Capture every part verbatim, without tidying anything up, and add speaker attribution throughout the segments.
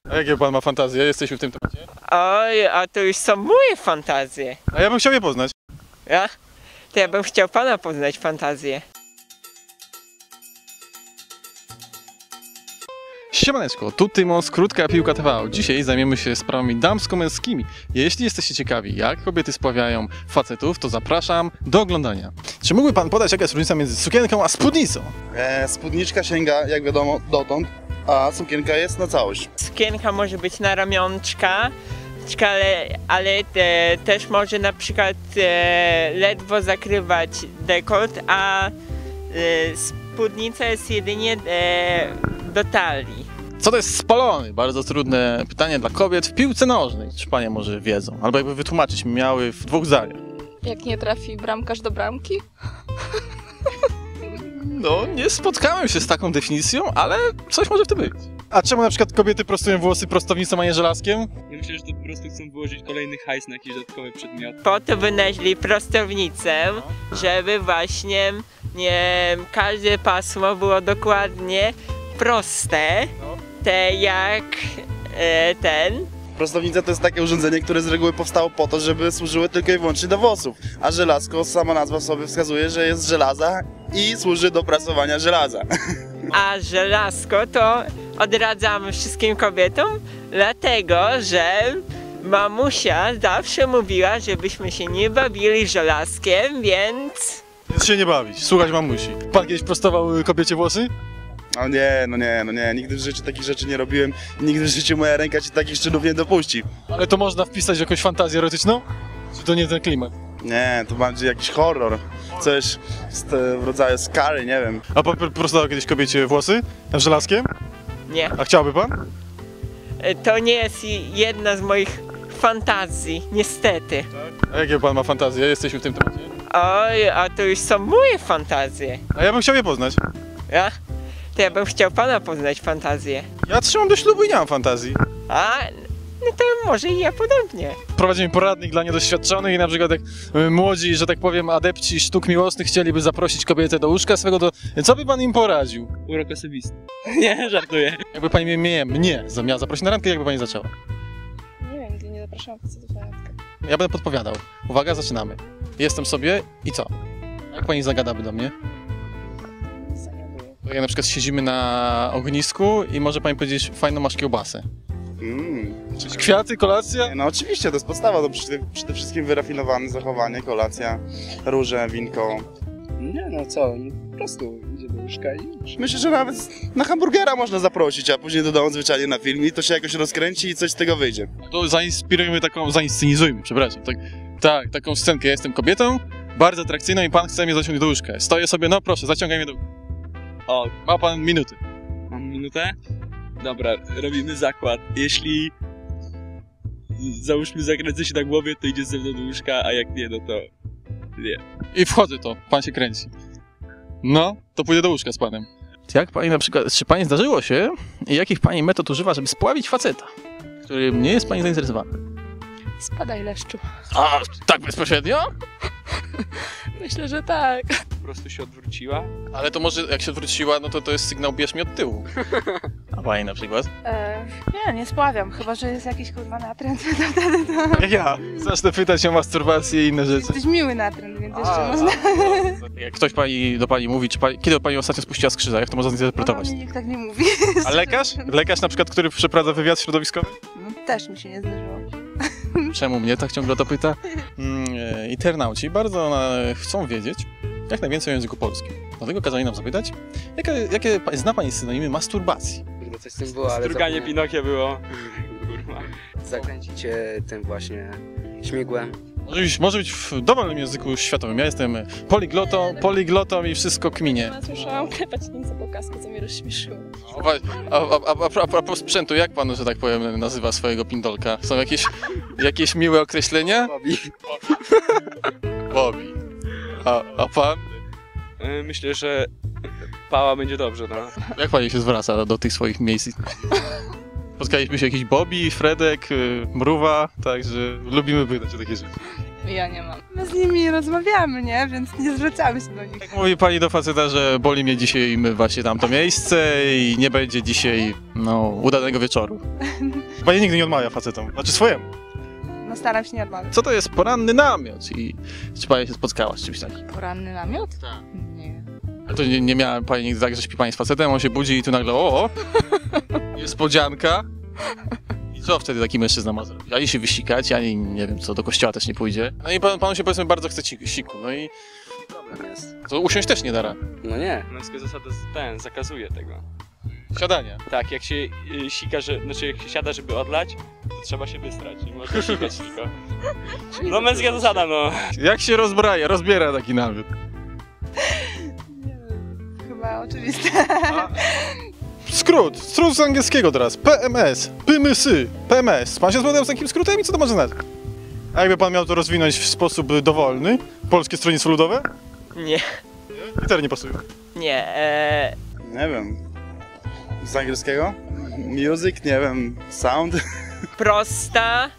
Speaker 1: A jakie pan ma fantazje? Jesteśmy w tym temacie.
Speaker 2: Oj, a to już są moje fantazje.
Speaker 1: A ja bym chciał je poznać.
Speaker 2: Ja? To ja bym chciał pana poznać fantazję.
Speaker 1: Siemaneczko, tu Tymos, Krótka Piłka T V. Dzisiaj zajmiemy się sprawami damsko-męskimi. Jeśli jesteście ciekawi, jak kobiety spławiają facetów, to zapraszam do oglądania. Czy mógłby pan podać, jaka jest różnica między sukienką a spódnicą?
Speaker 3: E, spódniczka sięga, jak wiadomo, dotąd, a sukienka jest na całość.
Speaker 2: Sukienka może być na ramionczka, ale, ale te, też może na przykład e, ledwo zakrywać dekolt, a e, spódnica jest jedynie e, do talii.
Speaker 1: Co to jest spalony? Bardzo trudne pytanie dla kobiet w piłce nożnej. Czy panie może wiedzą? Albo jakby wytłumaczyć mi miały w dwóch zdaniach.
Speaker 4: Jak nie trafi bramkarz do bramki?
Speaker 1: No, nie spotkałem się z taką definicją, ale coś może w tym być. A czemu na przykład kobiety prostują włosy prostownicą, a nie żelazkiem?
Speaker 5: Ja myślę, że to po prostu chcą wyłożyć kolejny hajs na jakiś dodatkowy przedmiot.
Speaker 2: Po to wynaleźli prostownicę, żeby właśnie nie, każde pasmo było dokładnie proste, te jak e, ten.
Speaker 3: Prostownica to jest takie urządzenie, które z reguły powstało po to, żeby służyły tylko i wyłącznie do włosów. A żelazko, sama nazwa sobie wskazuje, że jest z żelaza i służy do prasowania żelaza.
Speaker 2: A żelazko to odradzamy wszystkim kobietom, dlatego że mamusia zawsze mówiła, żebyśmy się nie bawili żelazkiem, więc...
Speaker 1: Więc się nie bawić, słuchać mamusi. Pan kiedyś prostował kobiecie włosy?
Speaker 3: No nie, no nie, no nie, nigdy w życiu takich rzeczy nie robiłem, nigdy w życiu moja ręka ci takich czynów nie dopuści.
Speaker 1: Ale to można wpisać w jakąś fantazję erotyczną? Czy to nie ten klimat?
Speaker 3: Nie, to bardziej jakiś horror, coś z te, w rodzaju skary, nie wiem.
Speaker 1: A pan prostował kiedyś kobiecie włosy? Żelazkiem?
Speaker 2: Nie.
Speaker 1: A chciałby pan?
Speaker 2: To nie jest jedna z moich fantazji, niestety.
Speaker 1: A jakie pan ma fantazje? Jesteśmy w tym temacie.
Speaker 2: Oj, a to już są moje fantazje.
Speaker 1: A ja bym chciał je poznać.
Speaker 2: Ja? To ja bym chciał pana poznać fantazję.
Speaker 1: Ja trzymam do ślubu i nie mam fantazji.
Speaker 2: A, no to może i ja podobnie.
Speaker 1: Prowadzimy poradnik dla niedoświadczonych i na przykład jak y, młodzi, że tak powiem, adepci sztuk miłosnych chcieliby zaprosić kobietę do łóżka swego, to co by pan im poradził?
Speaker 5: Urok osobisty. Nie, żartuję.
Speaker 1: Jakby pani mnie, mnie, mnie miała zaprosić na randkę, jakby pani zaczęła?
Speaker 4: Nie wiem, nigdy nie zapraszałam facetów na randkę.
Speaker 1: Ja będę podpowiadał. Uwaga, zaczynamy. Jestem sobie i co? Jak pani zagadaby do mnie? Jak na przykład siedzimy na ognisku i może pani powiedzieć, fajną masz kiełbasę.
Speaker 3: Mm.
Speaker 1: Kwiaty, kolacja?
Speaker 3: No oczywiście, to jest podstawa, to przede, przede wszystkim wyrafinowane zachowanie, kolacja, róże, winko.
Speaker 5: Nie, no co, no po prostu idzie do łóżka i już.
Speaker 3: Myślę, że nawet na hamburgera można zaprosić, a później dodamy zwyczajnie na film i to się jakoś rozkręci i coś z tego wyjdzie.
Speaker 1: To zainspirujmy taką, zainscenizujmy, przepraszam. Tak, tak, taką scenkę. Ja jestem kobietą, bardzo atrakcyjną i pan chce mnie zaciągnąć do łóżka. Stoję sobie, no proszę, zaciągaj mnie do...
Speaker 5: O,
Speaker 1: Ma pan minuty.
Speaker 5: mam minutę? Dobra, robimy zakład. Jeśli załóżmy zakręcę się na głowie, to idzie ze mną do łóżka, a jak nie, no to nie.
Speaker 1: I wchodzę to, pan się kręci. No, to pójdę do łóżka z panem. Jak pani na przykład, czy pani zdarzyło się i jakich pani metod używa, żeby spławić faceta, którym nie jest pani zainteresowany?
Speaker 4: Spadaj, leszczu.
Speaker 1: A, tak bezpośrednio?
Speaker 4: Myślę, że tak.
Speaker 5: Po prostu się odwróciła.
Speaker 1: Ale to może jak się odwróciła, no to to jest sygnał bierz mnie od tyłu. A pani na przykład?
Speaker 4: E, nie, nie spławiam, chyba że jest jakiś kurwa natręt, to wtedy to...
Speaker 1: Jak ja. Zacznę pytać o masturbację i inne rzeczy.
Speaker 4: Jesteś miły natręt, więc jeszcze
Speaker 1: A,
Speaker 4: można...
Speaker 1: a, jak ktoś pani, do pani mówi, czy pani, kiedy pani ostatnio spuściła z krzyża, jak to można zinterpretować?
Speaker 4: No, mi nikt tak nie mówi.
Speaker 1: A lekarz? Lekarz na przykład, który przeprowadza wywiad środowiskowy?
Speaker 4: No, też mi się nie zdarzyło.
Speaker 1: Czemu mnie tak ciągle o to pyta? Mm, e, internauci bardzo e, chcą wiedzieć jak najwięcej o języku polskim. Dlatego kazali nam zapytać, jakie, jakie pa- zna pani synonimy masturbacji?
Speaker 6: Kurde, coś z tym było, ale
Speaker 5: Struganie
Speaker 6: zapomniałem.
Speaker 5: Pinokia było. Kurwa.
Speaker 6: Zakręcicie tym właśnie śmigłem.
Speaker 1: Może być, może być w dowolnym języku światowym. Ja jestem poliglotą, poliglotą i wszystko kminie.
Speaker 4: Słyszałam klepać Niemca po kasku, co mnie rozśmieszyło.
Speaker 1: A, a, a, a, a propos sprzętu, jak pan, że tak powiem, nazywa swojego pindolka? Są jakieś, jakieś miłe określenia?
Speaker 6: Bobby.
Speaker 1: Bobby. A, a pan?
Speaker 5: E, Myślę, że pała będzie dobrze, no.
Speaker 1: Jak pani się zwraca do tych swoich miejsc? Spotkaliśmy się jakiś Bobby, Fredek, y, Mruwa, także lubimy pytać o takie rzeczy.
Speaker 7: Ja nie mam.
Speaker 4: My z nimi rozmawiamy, nie? Więc nie zwracamy się do nich.
Speaker 1: Jak mówi pani do faceta, że boli mnie dzisiaj właśnie tamto miejsce i nie będzie dzisiaj, no, udanego wieczoru. Pani nigdy nie odmawia facetom, znaczy swojemu.
Speaker 4: No staram się nie odmawiać.
Speaker 1: Co to jest poranny namiot i czy pani się spotkała z czymś takim?
Speaker 7: Poranny namiot?
Speaker 1: Tak.
Speaker 7: Nie.
Speaker 1: Ale to nie, nie miała pani nigdy tak, że śpi pani z facetem, on się budzi i tu nagle o, o niespodzianka. I co wtedy taki mężczyzna ma zrobić? Ani się wysikać, ani nie wiem co, do kościoła też nie pójdzie. No i pan, panu się powiedzmy bardzo chce ci- siku, no i
Speaker 6: Problem jest.
Speaker 1: to usiąść też nie da rady.
Speaker 6: No nie.
Speaker 5: Męska zasada z- ten, zakazuje tego.
Speaker 1: Siadanie.
Speaker 5: Tak, jak się y, sika, że, znaczy jak się siada, żeby odlać, to trzeba się wystrać, nie można sikać tylko. No męska zasada, no.
Speaker 1: Jak się rozbraja, rozbiera taki namiot?
Speaker 4: Chyba oczywiste.
Speaker 1: Skrót, skrót z angielskiego teraz. P M S, pymysy, P M S. Pan się zgodził z takim skrótem i co to może znaczyć? A jakby pan miał to rozwinąć w sposób dowolny? Polskie Stronnictwo Ludowe?
Speaker 2: Nie,
Speaker 1: Litery nie pasują.
Speaker 2: nie. E,
Speaker 3: Nie wiem. Z angielskiego? Music, nie wiem. Sound?
Speaker 2: prosta.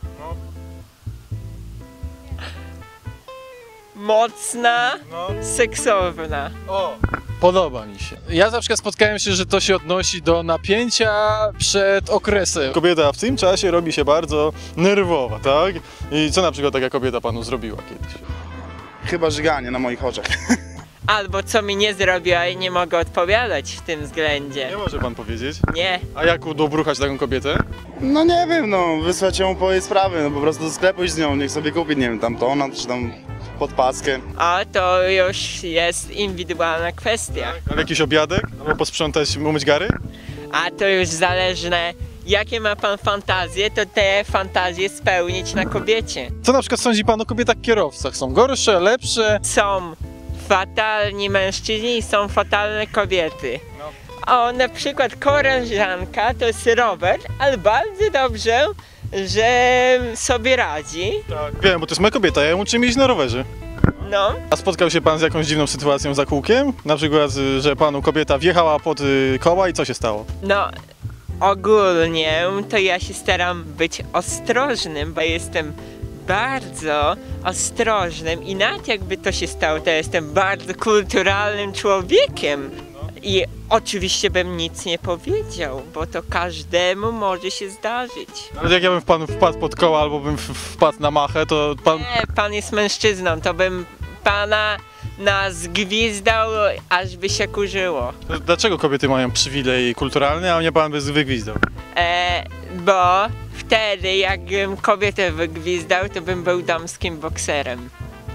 Speaker 2: Mocna.
Speaker 1: No.
Speaker 2: Seksowna.
Speaker 1: O, podoba mi się. Ja na przykład spotkałem się, że to się odnosi do napięcia przed okresem. Kobieta w tym czasie robi się bardzo nerwowa, tak? I co na przykład taka kobieta panu zrobiła kiedyś?
Speaker 3: Chyba żyganie na moich oczach.
Speaker 2: Albo co mi nie zrobiła i nie mogę odpowiadać w tym względzie.
Speaker 1: Nie może pan powiedzieć.
Speaker 2: Nie.
Speaker 1: A jak udobruchać taką kobietę?
Speaker 3: No nie wiem, no wysłać ją po jej sprawy, no po prostu do sklepu iść z nią, niech sobie kupi, nie wiem, tam tonat czy tam podpaskę.
Speaker 2: A to już jest indywidualna kwestia.
Speaker 1: A jakiś obiadek? Albo posprzątać, umyć gary?
Speaker 2: A to już zależne, jakie ma pan fantazje, to te fantazje spełnić na kobiecie.
Speaker 1: Co na przykład sądzi pan o kobietach kierowcach? Są gorsze, lepsze?
Speaker 2: Są fatalni mężczyźni i są fatalne kobiety. O, na przykład koleżanka to jest Robert, ale bardzo dobrze, że sobie radzi.
Speaker 1: Tak. Wiem, bo to jest moja kobieta, ja ją uczę jeździć na rowerze.
Speaker 2: No,
Speaker 1: A spotkał się pan z jakąś dziwną sytuacją za kółkiem? Na przykład, y, że panu kobieta wjechała pod y, koła i co się stało?
Speaker 2: no ogólnie to ja się staram być ostrożnym, bo jestem bardzo ostrożnym i nawet jakby to się stało, to jestem bardzo kulturalnym człowiekiem. I oczywiście bym nic nie powiedział, bo to każdemu może się zdarzyć.
Speaker 1: Nawet jak ja bym w panu wpadł pod koła albo bym w- wpadł na machę, to pan...
Speaker 2: Nie, pan jest mężczyzną, to bym pana nazgwizdał, aż by się kurzyło.
Speaker 1: to Dlaczego kobiety mają przywilej kulturalny, a mnie pan by wygwizdał?
Speaker 2: E, bo wtedy jakbym kobietę wygwizdał, to bym był damskim bokserem.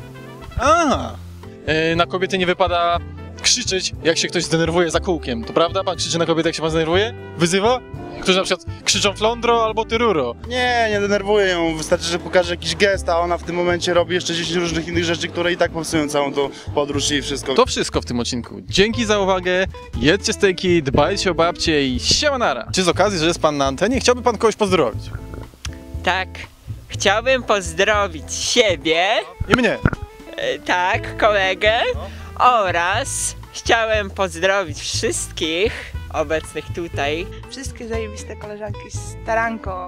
Speaker 1: A, y, na kobiety nie wypada krzyczeć, jak się ktoś zdenerwuje za kółkiem. To prawda? Pan krzyczy na kobietę, jak się pan zdenerwuje? Wyzywa? Którzy na przykład krzyczą flądro albo ty ruro.
Speaker 3: Nie, nie denerwuję ją, wystarczy, że pokaże jakiś gest, a ona w tym momencie robi jeszcze dziesięć różnych innych rzeczy, które i tak popsują całą tą podróż i wszystko.
Speaker 1: To wszystko w tym odcinku. Dzięki za uwagę, jedzcie stejki, dbajcie o babcie i siemanara. Czy z okazji, że jest pan na antenie, chciałby pan kogoś pozdrowić?
Speaker 2: Tak, chciałbym pozdrowić siebie,
Speaker 1: I mnie.
Speaker 2: e, tak, kolegę oraz chciałem pozdrowić wszystkich obecnych tutaj.
Speaker 4: Wszystkie zajebiste koleżanki, staranko.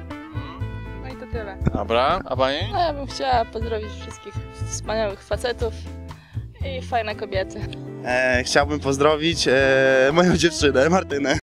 Speaker 4: No i to tyle.
Speaker 1: Dobra, a pani?
Speaker 7: No ja bym chciała pozdrowić wszystkich wspaniałych facetów i fajne kobiety.
Speaker 3: E, chciałbym pozdrowić e, moją dziewczynę, Martynę.